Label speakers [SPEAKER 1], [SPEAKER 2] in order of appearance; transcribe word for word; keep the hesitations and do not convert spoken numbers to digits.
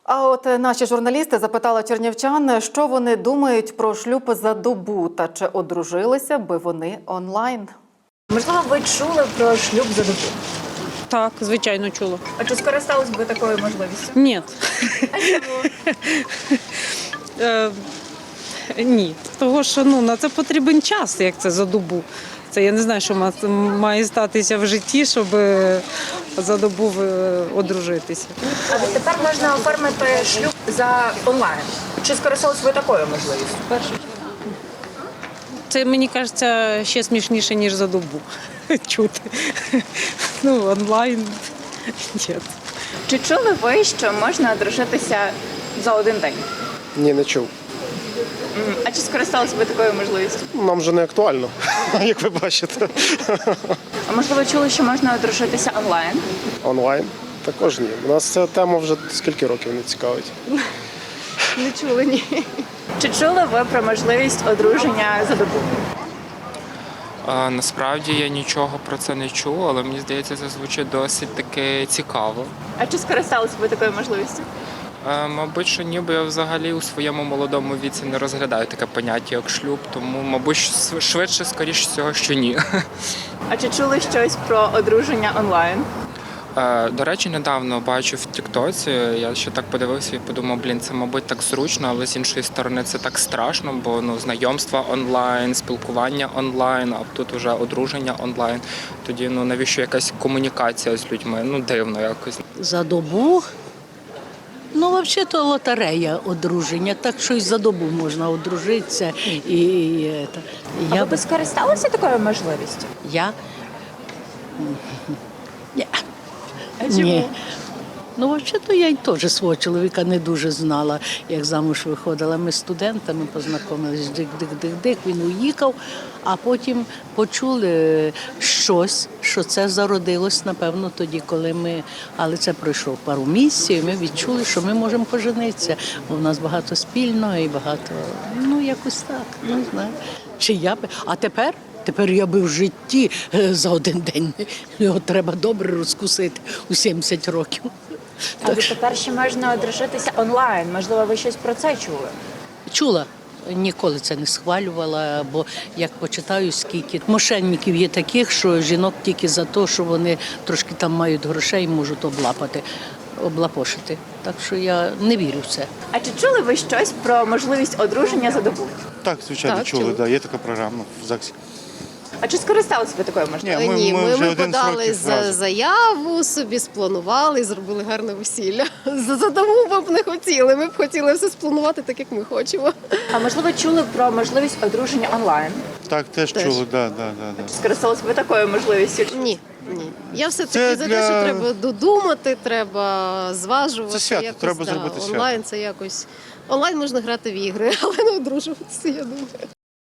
[SPEAKER 1] А от наші журналісти запитали чернівчан, що вони думають про шлюб за добу та чи одружилися би вони онлайн.
[SPEAKER 2] Можливо, ви чули про шлюб за добу?
[SPEAKER 3] Так, звичайно, чула.
[SPEAKER 2] А чи скористались би такою можливістю?
[SPEAKER 3] Ні.
[SPEAKER 2] А чому?
[SPEAKER 3] Е, ні. Того, що ну, на це потрібен час, як це за добу. Це я не знаю, що ма- має статися в житті, щоб е, за добу е, одружитися.
[SPEAKER 2] А от тепер можна оформити шлюб за онлайн. Чи скористались ви такою можливістю?
[SPEAKER 3] Це, мені кажеться, ще смішніше, ніж за добу чути. Ну, онлайн – ні.
[SPEAKER 2] Чи чули ви, що можна одружитися за один день?
[SPEAKER 4] Ні, не чув.
[SPEAKER 2] М, А чи скористались ви такою можливістю?
[SPEAKER 4] Нам вже не актуально, як ви бачите.
[SPEAKER 2] А можливо, чули, що можна одружитися онлайн?
[SPEAKER 4] Онлайн також ні. У нас ця тема вже скільки років не цікавить.
[SPEAKER 2] Не чули, ні. Чи чули ви про можливість одруження за добу?
[SPEAKER 5] А, насправді я нічого про це не чув, але мені здається, це звучить досить таки цікаво.
[SPEAKER 2] А чи скористались ви такою можливістю?
[SPEAKER 5] А, мабуть, що ні, бо я взагалі у своєму молодому віці не розглядаю таке поняття, як шлюб, тому, мабуть, ш- швидше, скоріш всього, що ні.
[SPEAKER 2] А чи чули щось про одруження онлайн?
[SPEAKER 5] Е, До речі, недавно бачив в Тіктоці, я ще так подивився і подумав, блін, це, мабуть, так зручно, але з іншої сторони це так страшно, бо ну, знайомства онлайн, спілкування онлайн, а тут вже одруження онлайн. Тоді ну навіщо якась комунікація з людьми? Ну, дивно якось.
[SPEAKER 6] За добу? Ну, взагалі-то лотерея одруження, так що і за добу можна одружитися. І, і, і, це.
[SPEAKER 2] А
[SPEAKER 6] я,
[SPEAKER 2] ви б скористалися такою можливістю?
[SPEAKER 6] я? Ні.
[SPEAKER 2] А чому?
[SPEAKER 6] Ні. Ну, взагалі-то я й теж свого чоловіка не дуже знала, як замуж виходила. Ми з студентами познайомились, дик-дик-дик-дик, він уїхав, а потім почули щось, що це зародилось, напевно, тоді, коли ми, але це пройшло пару місяців, і ми відчули, що ми можемо поженитися. Бо в нас багато спільного і багато, ну, якось так, не знаю. Чи я би, а тепер? Тепер я би в житті е, за один день, його треба добре розкусити у сімдесят років.
[SPEAKER 2] А ви тепер ще можна одружитися онлайн. Можливо, ви щось про це чули?
[SPEAKER 6] Чула, ніколи це не схвалювала, бо як почитаю, скільки мошенників є таких, що жінок тільки за те, що вони трошки там мають грошей, можуть облапати, облапошити. Так що я не вірю в це.
[SPEAKER 2] А чи чули ви щось про можливість одруження за добу?
[SPEAKER 7] Так, звичайно,
[SPEAKER 1] Так,
[SPEAKER 7] чули,
[SPEAKER 1] чули.
[SPEAKER 7] да, є така програма в ЗАГСі.
[SPEAKER 2] А чи скористалися ви такою можливістю?
[SPEAKER 7] Ні, ми-
[SPEAKER 8] Ні,
[SPEAKER 7] ми
[SPEAKER 8] ми,
[SPEAKER 7] вже
[SPEAKER 8] ми
[SPEAKER 7] один з
[SPEAKER 8] подали
[SPEAKER 7] років
[SPEAKER 8] за
[SPEAKER 7] разом.
[SPEAKER 8] заяву, собі спланували і зробили гарне весілля. За за добу ми б не хотіли. Ми б хотіли все спланувати так, як ми хочемо.
[SPEAKER 2] А можливо, чули про можливість одруження онлайн?
[SPEAKER 7] Так, теж,
[SPEAKER 8] Теж.
[SPEAKER 7] чули, да, да, да, да.
[SPEAKER 2] Чи скористалися ви такою можливістю?
[SPEAKER 8] Ні, ні. Я все-таки
[SPEAKER 7] Це
[SPEAKER 8] за
[SPEAKER 7] для-
[SPEAKER 8] те, що треба додумати, треба зважувати.
[SPEAKER 7] Це свято,
[SPEAKER 8] якось,
[SPEAKER 7] треба
[SPEAKER 8] да.
[SPEAKER 7] зробити свято.
[SPEAKER 8] Онлайн це якось. Онлайн можна грати в ігри, але не одружуватися, я думаю.